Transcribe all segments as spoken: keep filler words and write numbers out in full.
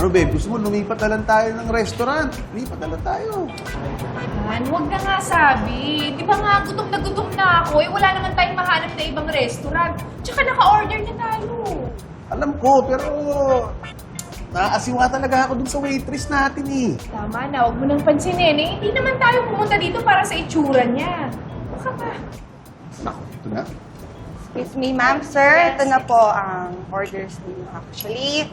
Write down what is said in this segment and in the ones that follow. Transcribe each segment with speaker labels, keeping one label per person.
Speaker 1: Ano, babe? Gusto mo lumipat na lang tayo ng restaurant? Lumipat na lang tayo.
Speaker 2: Man, huwag na nga sabi. Di ba nga, gutom na gutom na ako. Eh, wala naman tayong mahanap na ibang restaurant. Tsaka naka-order na tayo.
Speaker 1: Alam ko, pero... Naasiwa talaga ako dun sa waitress natin eh.
Speaker 2: Tama na, huwag mo nang pansinin eh. Hindi naman tayo pumunta dito para sa itsura niya. Baka pa.
Speaker 1: Naku, ito na.
Speaker 3: Excuse me, ma'am, sir. Ito na po ang orders niyo. Actually,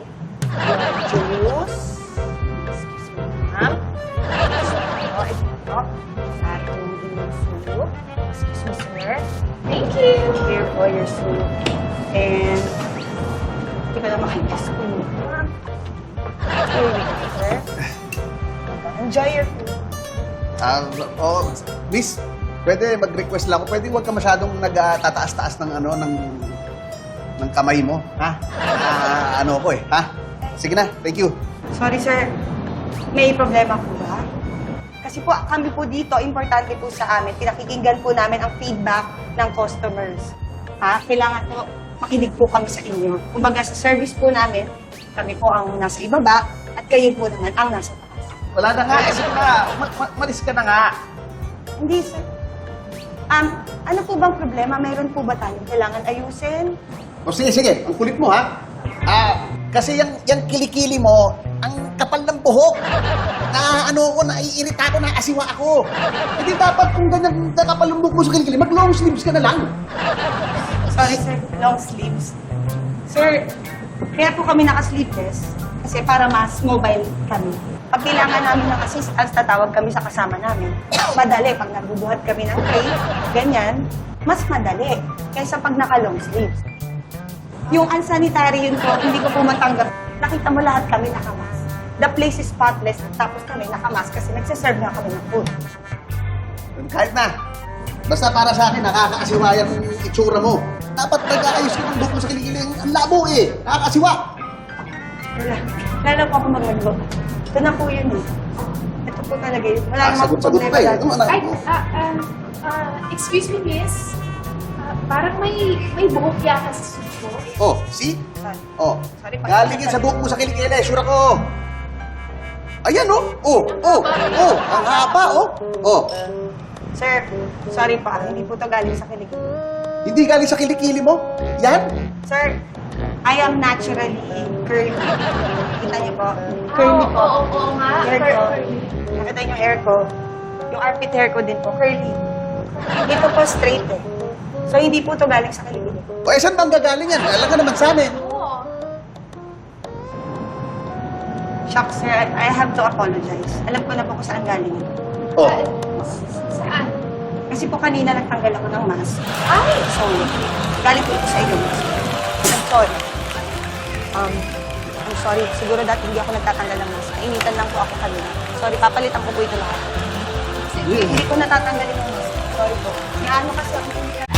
Speaker 3: your juice. Excuse me, ma'am. Ito, ito. Ating soup. Excuse me, sir.
Speaker 2: Thank you.
Speaker 3: Here for your soup. And, hindi ka na makikas ko. Here we go, sir. Enjoy your food.
Speaker 1: Ah, oh, miss, pwede mag-request lang ako. Pwede huwag ka masyadong nagtataas-taas ng ano, ng ng kamay mo, ha? Ah, ano ko eh, ha? Sige na, thank you.
Speaker 3: Sorry, sir. May problema po ba? Kasi po, kami po dito, importante po sa amin. Pinakikinggan po namin ang feedback ng customers. Ha? Kailangan po, makinig po kami sa inyo. Kumbaga, sa service po namin, kami po ang nasa ibaba, at kayo po naman ang nasa taas.
Speaker 1: Wala na nga, eh, sige na, ma- ma- malis ka na nga.
Speaker 3: Hindi, sir. Um, ano po bang problema? Mayroon po ba tayong kailangan ayusin?
Speaker 1: O sige, sige, ang kulit mo, ha? Ah, kasi yung, yung kilikili mo, ang kapal ng buhok. Na ano ko, naiirita ako, naasiwa ako. Hindi dapat kung ganyan nakapal ng buhok mo sa kilikili, mag-long sleeves ka na lang.
Speaker 3: Sorry, sir. Long sleeves. Sir, kaya po kami naka-sleeveless kasi para mas mobile kami. Pag kailangan namin ng assistance, tatawag kami sa kasama namin. Madali. Pag nabubuhat kami ng tray, ganyan, mas madali kaysa pag naka-long sleeves. Yung unsanitary yun po, hindi ko po matanggap. Nakita mo lahat kami nakamask. The place is spotless, tapos kami nakamask kasi nagsiserve na kami ng food.
Speaker 1: Kahit na. Basta para sa akin, nakakaasiwa yung itsura mo. Dapat nag-aayos ka ng buhok mo sa kilikili. Ang labo eh. Nakakaasiwa.
Speaker 3: Wala. Lalo po ako magmagbo. Ito na po yun eh. Ito po talaga yun. Wala
Speaker 1: Ah,
Speaker 3: namang
Speaker 1: sagot-sagot
Speaker 3: problema
Speaker 1: pa eh.
Speaker 3: dyan.
Speaker 1: Ano, anak
Speaker 2: Ay,
Speaker 1: mo?
Speaker 2: ah, um, ah, excuse me, miss. Ah, parang may may buhok yata sa suit ko.
Speaker 1: Oh, see?
Speaker 3: Sorry.
Speaker 1: Oh,
Speaker 3: Sorry, pag-
Speaker 1: galing yan sa buhok mo sa kilikili. Sure ako. Ayan, oh. Oh, oh, oh. Ang haba, oh. Oh.
Speaker 3: Sir, sorry pa. Hindi po to galing sa kilig.
Speaker 1: Hindi galing sa kilikili mo? Yan?
Speaker 3: Sir, I am naturally curly. Kita niyo po?
Speaker 2: Oo,
Speaker 3: Curly po.
Speaker 2: oo, oo nga.
Speaker 3: Hair
Speaker 2: Cur-
Speaker 3: ko.
Speaker 2: curly.
Speaker 3: Nakita niyo yung hair ko. Yung armpit hair ko din po, curly. Dito po straight eh. So, hindi po to galing sa kilig.
Speaker 1: O, eh, saan bang gagaling yan? Alam ka naman sa amin.
Speaker 2: Oo.
Speaker 3: Shock, sir. I I have to apologize. Alam ko na po kung saan galing ito.
Speaker 1: Oh.
Speaker 2: Ah, saan?
Speaker 3: Kasi po kanina nagtanggal ako ng mask.
Speaker 2: Ay!
Speaker 3: So, galing po ito sa inyo. I'm sorry. Um, I'm sorry. Siguro dati hindi ako nagtatanggal ng mask. Nainitan lang po ako kanina. Sorry, papalitan ko po ito lahat.
Speaker 2: Sige.
Speaker 3: Hindi ko natatanggalin yung mask. Sorry po. Naano kasi ako.